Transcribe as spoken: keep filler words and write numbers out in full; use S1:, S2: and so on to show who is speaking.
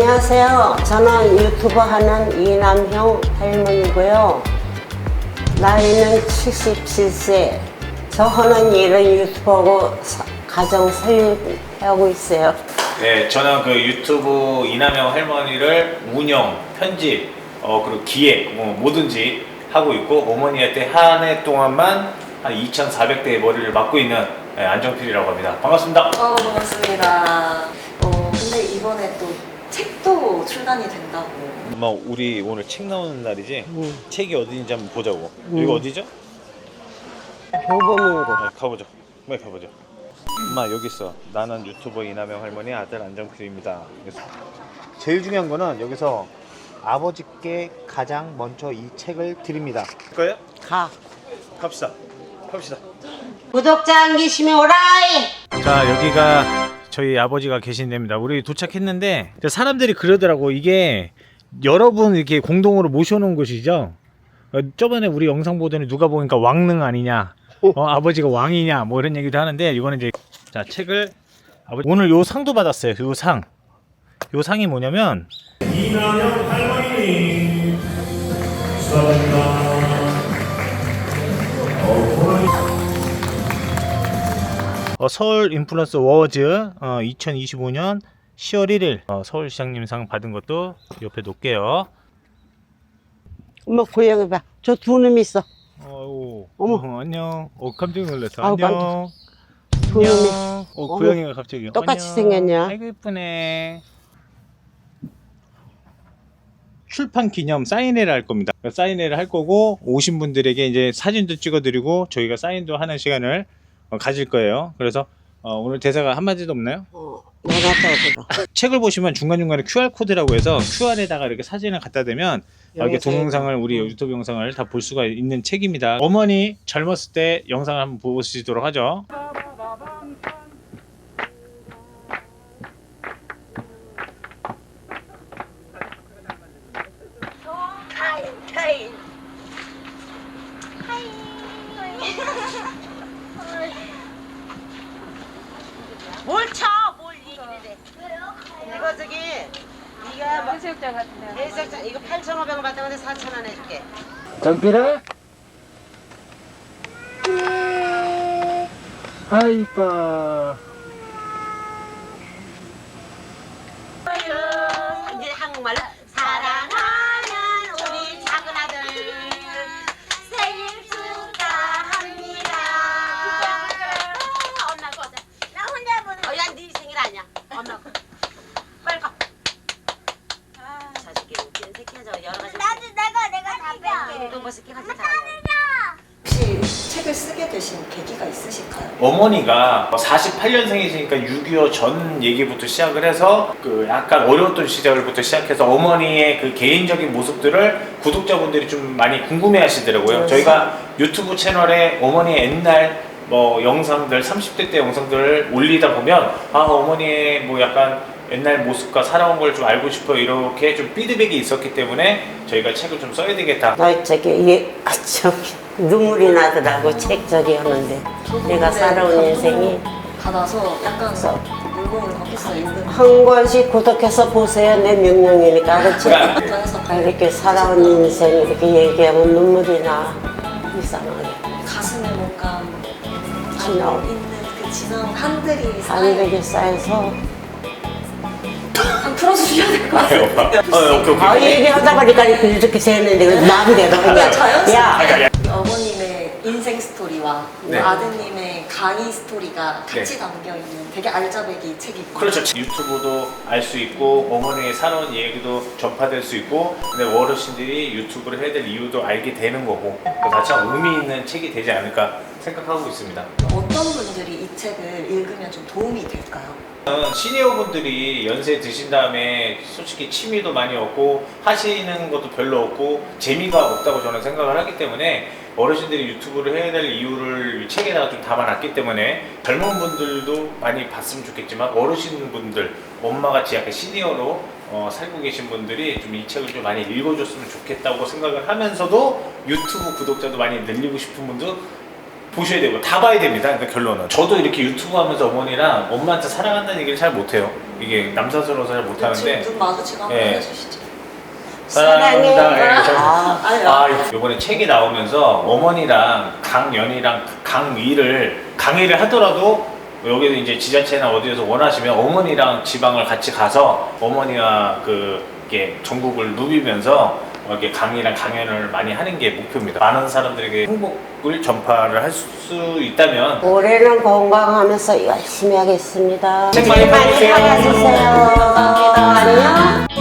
S1: 안녕하세요. 저는 유튜버 하는 이남형 할머니고요. 나이는 칠십칠 세. 저 하는 일은 유튜버고 사, 가정 살림하고 있어요.
S2: 네, 저는 그 유튜브 이남형 할머니를 운영, 편집, 어, 그리고 기획, 뭐 뭐든지 하고 있고, 어머니한테 한 해 동안만 한 이천사백 대의 머리를 맡고 있는 네, 안정필이라고 합니다. 반갑습니다.
S3: 어, 반갑습니다. 어, 근데 이번에 또 책도 출간이 된다고.
S2: 엄마, 우리 오늘 책 나오는 날이지?
S1: 응.
S2: 책이 어디인지 한번 보자고.
S1: 응.
S2: 여기 어디죠?
S1: 교보문고.
S2: 네, 가보죠. 빨리 가보죠. 엄마, 여기 있어. 나는 유튜버 이남형 할머니 아들 안정필입니다. 그래서 제일 중요한 거는 여기서 아버지께 가장 먼저 이 책을 드립니다. 갈까요?
S1: 가.
S2: 갑시다. 갑시다.
S1: 구독자 안 계시면 오라이.
S2: 자, 여기가 저희 아버지가 계신 데입니다. 우리 도착했는데 사람들이 그러더라고. 이게 여러분 이렇게 공동으로 모셔놓은 곳이죠. 어, 저번에 우리 영상 보더니 누가 보니까 왕릉 아니냐, 어, 아버지가 왕이냐, 뭐 이런 얘기도 하는데, 이거는 이제 자 책을 아버지 오늘 요 상도 받았어요. 요 상, 요 상이 뭐냐면
S4: 이남형 할머니 축하드립니다.
S2: 어, 서울 인플루언서 워즈 어, 이천이십오 년 시월 일일 어, 서울시장님상 받은 것도 옆에 놓을게요.
S1: 엄마 고양이 봐. 저 두 놈이 있어.
S2: 어우,
S1: 어머.
S2: 어, 안녕. 어, 깜짝 놀랐어.
S1: 아우,
S2: 안녕.
S1: 두 놈이.
S2: 안녕. 어,
S1: 어머.
S2: 고양이가 갑자기
S1: 똑같이
S2: 안녕.
S1: 생겼냐?
S2: 아이고 예쁘네. 출판 기념 사인회를 할 겁니다. 사인회를 할 거고, 오신 분들에게 이제 사진도 찍어드리고 저희가 사인도 하는 시간을 어, 가질 거예요. 그래서 어, 오늘 대사가 한마디도 없나요?
S1: 어, 나갔다
S2: 책을 보시면 중간중간에 큐알 코드라고 해서 큐알에다가 이렇게 사진을 갖다 대면 어, 이렇게 동영상을, 우리 유튜브 영상을 다 볼 수가 있는 책입니다. 어머니 젊었을 때 영상을 한번 보시도록 하죠.
S1: 뭘 쳐? 뭘 이래? 이거 저기 네가 뭐
S5: 해수욕장 같은데.
S1: 해수욕장 이거 팔천오백 원 받던 건데 사천 원 해줄게.
S5: 정필아? 아이빠.
S1: 이제 한국말로 사랑하는 우리 작은 아들 생일 축하합니다. 엄마 거. 나 혼자 보는. 어, 야, 네 생일 아니야. 엄마 거. 빨리 가. 자식이 웃기는 새끼야. 저 여러 가지.
S6: 나도 내가 내가 다 뺄게.
S1: 운동 벗을게 같이 자.
S3: 혹시 책을 쓰게 되신 계기가 있으실까요?
S2: 어머니가 사십팔 년생이시니까 육이오 전 얘기부터 시작을 해서 그 약간 어려웠던 시절부터 시작해서 어머니의 그 개인적인 모습들을 구독자분들이 좀 많이 궁금해 하시더라고요. 저희가 유튜브 채널에 어머니의 옛날 뭐 영상들, 삼십 대 때 영상들을 올리다 보면 아, 어머니의 뭐 약간 옛날 모습과 살아온 걸 좀 알고 싶어, 이렇게 좀 피드백이 있었기 때문에 저희가 책을 좀 써야 되겠다.
S1: 나 저기 이게 아, 저기 눈물이 나더라고 책 저기 하는데 내가 살아온 인생이
S3: 받아서 약간 물건을 바뀌었어요.
S1: 한 권씩 구독해서 보세요. 내 명령이니까 그렇지?
S3: 인터넷에서
S1: 이렇게 살아온 인생 이렇게 얘기하면 눈물이 나 이상하게
S3: 가슴에 뭔가
S1: 지나오.
S3: 있는 그 지나온 한들이
S1: 안
S3: 쌓여.
S1: 되게 쌓여서
S3: 한 풀어주셔야 될 것 같아요.
S2: 어, 오케이,
S1: 아
S2: 오케이.
S1: 얘기하다 보니까 이렇게 되는데 그 마음대로
S3: 그냥
S1: 그냥
S3: 자연스럽게
S1: 야
S3: 우리 어머님의 인생 스토리와
S2: 네.
S3: 아드님의 강의 스토리가 같이
S2: 네.
S3: 담겨 있는 되게 알짜배기 책이고.
S2: 그렇죠. 유튜브도 알 수 있고 어머니의 살아온 얘기도 전파될 수 있고, 근데 어르신들이 유튜브를 해야 될 이유도 알게 되는 거고, 그래서 참 의미 있는 책이 되지 않을까 생각하고 있습니다.
S3: 어떤 분들이 이 책을 읽으면 좀 도움이 될까요?
S2: 저는 시니어분들이 연세 드신 다음에 솔직히 취미도 많이 없고 하시는 것도 별로 없고 재미가 없다고 저는 생각을 하기 때문에 어르신들이 유튜브를 해야 될 이유를 이 책에다가 좀 담아놨기 때문에 젊은 분들도 많이 봤으면 좋겠지만 어르신분들, 엄마같이 약간 시니어로 어, 살고 계신 분들이 좀 이 책을 좀 많이 읽어줬으면 좋겠다고 생각을 하면서도 유튜브 구독자도 많이 늘리고 싶은 분도 보셔야 되고 다 봐야 됩니다. 그러니까 결론은 저도 이렇게 유튜브 하면서 어머니랑 엄마한테 사랑한다는 얘기를 잘 못해요. 이게 남사스러워서 잘 못하는데
S3: 지금 눈 마주치고 한번
S2: 예.
S3: 해주시죠.
S2: 사랑합니다.
S1: 사랑해.
S2: 예, 저-
S1: 아,
S3: 아유,
S2: 아, 이번에 책이 나오면서 어머니랑 강연이랑 강의를 강의를 하더라도 여기서 이제 지자체나 어디에서 원하시면 어머니랑 지방을 같이 가서 어머니와 그 이렇게 전국을 누비면서 이렇게 강의랑 강연을 많이 하는 게 목표입니다. 많은 사람들에게 행복을 전파를 할 수 있다면
S1: 올해는 건강하면서 열심히 하겠습니다.
S2: 책 많이
S1: 많이
S2: 팔아주세요.
S1: 팔아주세요.
S3: 감사합니다.
S1: 안녕.